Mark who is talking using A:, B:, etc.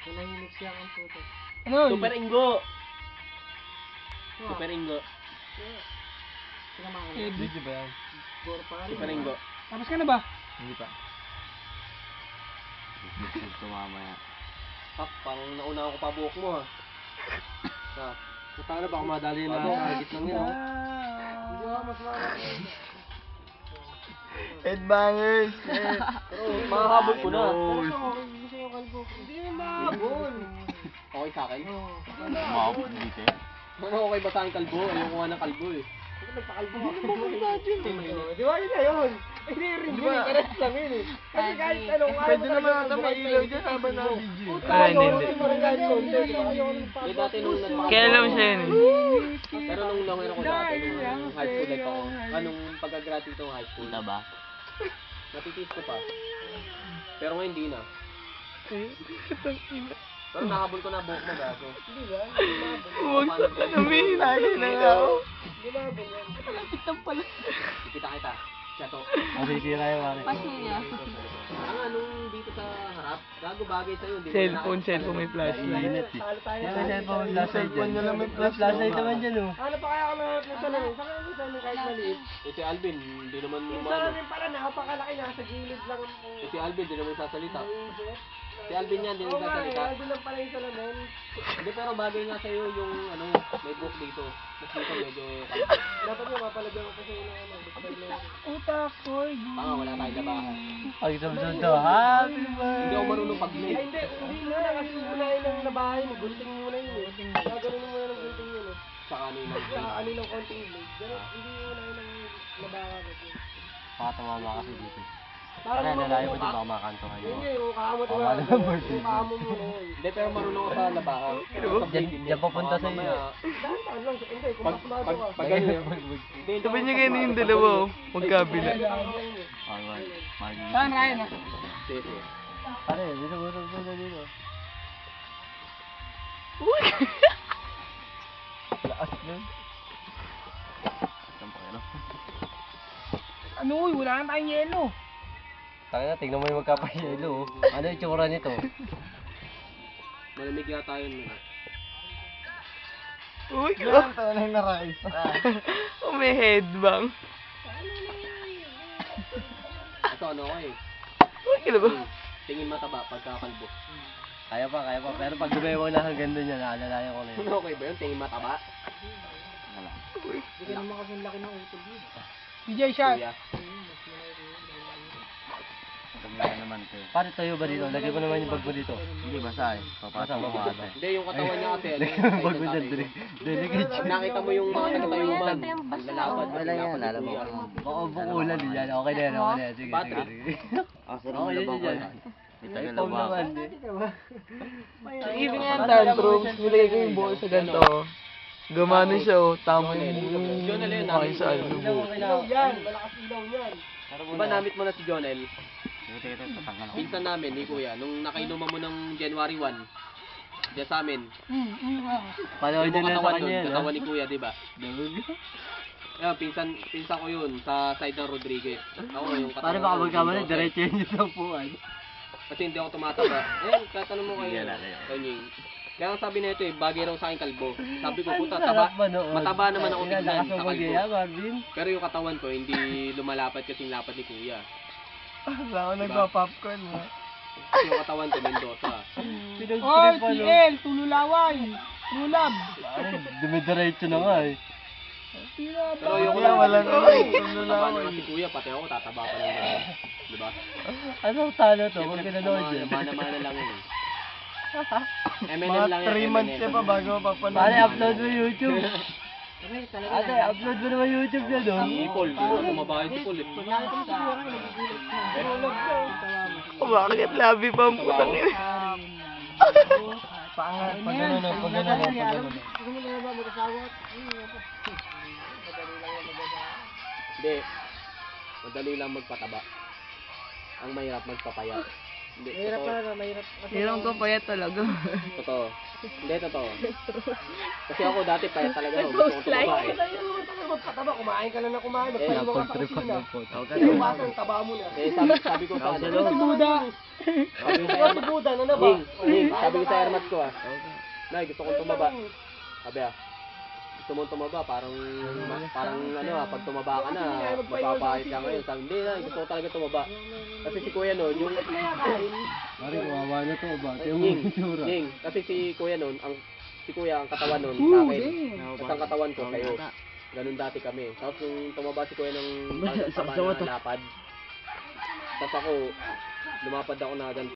A: Nanahimik siya ang puto.
B: Ano?
C: Super Ingo. Super Ingo.
A: Sinamahan
B: Eh,
A: niya.
D: Video ba yan?
A: Siguro pa rin.
C: Super Ingo.
B: Tapos ka na ba?
D: Hindi pa. Tumama yan.
C: Pak, parang nauna ako pa buhok mo ha.
D: Basta na baka madali na target lang yan.
A: Hindi ako mas mama.
D: Headbangers!
C: Pero makahabol ko na.
A: Gusto ko kalbo. Hindi yung mahabol.
C: Okay sa akin?
D: Maabot dito eh.
C: Ano okay ba sa akin kalbo? Ayoko nga ng kalbo eh.
A: Nagpakalbo ako. Di ba yun na yun? Hindi rin yun. Karas lang yun eh. Kasi kahit anong ayaw
D: Pwede naman ata mailaw dyan habang na-video.
B: Ah, hindi, hindi.
C: Eh dati nung nagpakal.
B: Kaya alam siya yun eh.
C: Pero nung longer ako dati, nung high school life ako, anong pagka-graduate ko high school,
D: Punta ba?
C: natitiis ko pa. Pero ngayon hindi na. Pero nakahabol ko na buhok mo gago.
A: Hindi ba?
B: Huwag ka namin. Lagi na nga ako.
A: Hindi ba?
B: Malapit na pala.
C: Kita kita. Siya to.
D: Masisira yung mare.
C: Ang anong dito sa harap, gago bagay sa'yo. Hindi mo
B: Cellphone may flashlight.
D: Init eh.
A: Talo tayo.
D: May cellphone niya lang may flashlight naman dyan oh.
A: Ano pa kaya ako nahanap ng salamin? Saan kaya yung salamin kahit maliit?
C: Eh si Alvin, hindi naman
A: Yung
C: umano.
A: salamin pala napakalaki, nasa gilid lang ang...
C: Eh si Alvin, hindi naman sasalita.
A: Naisip.
C: Si Alvin yan, hindi
A: Oo nga eh,
C: nagsasalita.
A: nandun lang pala yung salamin.
C: Hindi pero bagay nga sa'yo yung ano, may book dito. Mas dito medyo
A: Dapat nga mapalagyan ko pa sa'yo ng ano.
B: Utak ko.
C: tanga, wala tayong labahan.
D: Pag sumsunod to, happy
C: Hindi ako marunong
A: Ay
C: pag-blade.
A: hindi muna kasi unahin ng nabahay mo. Gunting muna yun eh. Gagawin mo muna ng gunting yun eh.
C: Sa kanina.
A: Sa ano ng konting blade. Pero hindi unahin ng nabaha kasi.
D: Pakatamama kasi dito.
A: Para
D: Kaya
A: naman
D: nalayo ko
A: mo
D: din baka makanto kayo.
A: Yun yun, kung kaamo diba?
D: Wala na, birthday.
A: Kung kaamo mo na yun.
C: Hindi pero marunong ako sa labahan.
D: Diyan papunta sa iyo.
A: Dahan lang, hindi, kung
C: Pag
A: pasmado ka.
C: pag ganyan.
B: Sabi niya ganyan yung dalawa oh. Magkabila.
D: Alright.
B: Saan Ryan ah?
C: Sige.
D: Pare, dito mo na dito.
B: Uy!
D: Lakas nun. Saan pa kayo?
B: Ano uy, wala na tayong yelo.
D: Tangina, tingnan mo yung magkapayelo oh. Ano yung tsura nito?
C: Malamig yata yun.
B: Uy,
D: tayo lang na-rise.
B: oh, may headbang.
C: Ito ano ko eh.
B: Uy, kailan ba?
C: Tingin mataba pagkakalbo.
D: Kaya pa. Pero pag gumawa na hanggang doon yan, naalalayan ko na yun.
C: Okay ba yun? Tingin mataba?
D: Wala.
A: Hindi ka naman kasi laki ng utol yun.
B: DJ shot.
C: Kuya.
D: Tumira naman ito. Pare, tayo ba dito? Lagay mo naman yung bag mo dito. Hindi, basa eh. Papasa mo ata.
C: Hindi, yung katawan niya kasi.
D: Bag mo dyan, delicate.
C: Pag nakita mo yung mga nagtayuman, lalapad.
D: Okay lang yan, alam mo. Baka bukulan din yan. Okay na yan, okay na yan. Sige. Okay yan yan. Ay, Paul naman.
B: Even yan, tantrums. Nilagay ko yung buo sa ganito. Gumano siya oh. Tama yung mukha sa ano.
A: Ilaw yan, malakas ilaw yan.
C: Diba namit mo na si Jonel? Pinsan namin ni Kuya, nung nakainuman mo ng January 1, diyan sa amin.
D: Panood
C: Yung
D: din na sa
C: katawan
D: kanya
C: nun,
D: yan.
C: katawan ni Kuya, diba? Ayun, pinsan ko yun, sa side ng Rodriguez. Ako yung katawan.
D: Pare, baka
C: ng
D: magkamali,
C: Jose.
D: diretso yun yung sampuan.
C: Kasi hindi ako tumataba. Tatanong mo kayo. Kanying. Kaya ang sabi na ito eh, bagay raw sa akin kalbo. Sabi ko, puta, mataba naman ako tignan sa kalbo.
D: Marvin.
C: Pero yung katawan ko, hindi lumalapat kasing lapat ni Kuya.
B: Wala ako nagpa-popcorn mo.
C: Kasi yung katawan ko, Mendoza.
B: Oh, TL, tululaway. Tulab.
D: Dumidiretso na nga eh.
C: Pero yung
B: walang
C: tataba naman si Kuya, pati ako tataba pa lang naman. Diba?
D: Ano talo to? Huwag pinanood yun.
C: Mana-mana lang yun. MNN
B: Mga
C: lang
B: 3 months ka pa bago mapapanood.
D: Pare, upload mo YouTube. Ate, upload mo naman YouTube na doon.
C: Si Paul, kumabahay si Paul eh.
B: Bakit labi pa ang putang ina?
D: Pangat. Pag gano'n, pag gano'n.
A: Gusto mo na ba mag-asawa?
C: Hindi. Madali lang magpataba. Ang mahirap magpapayat. Hindi,
A: Mahirap
C: totoo.
A: na, mahirap.
B: Hirang ko payat talaga.
C: Totoo. Hindi, totoo. Kasi ako dati payat talaga ako. Gusto kong tumaba eh.
A: Kaya naman tayo magpataba, kumain ka na ng kumain, magpaliwa ka sa
D: Napag-tripan
A: kusina.
D: ng photo.
A: Iwasan, taba mo na.
C: Eh, sabi ko sa ano.
A: Si Buda!
C: Sabi ko sa
A: Si Buda, ano na ba?
C: Ning, sabi ko sa airmat ko Nay, gusto kong tumaba. Sabi gusto mong tumaba, parang pag tumaba ka na, mapapahit ka ngayon. Sabi, hindi na, gusto ko talaga tumaba. Kasi si Kuya noon, yung...
D: Pare, kawawa na to ba? Yung
C: Ning,
D: itsura.
C: Ning, kasi si Kuya noon, ang katawan noon sa akin. Tapos ang katawan ko sa'yo. Ganun dati kami. Tapos nung tumaba si Kuya ng taba na lapad. Tapos ako, lumapad ako na ganun.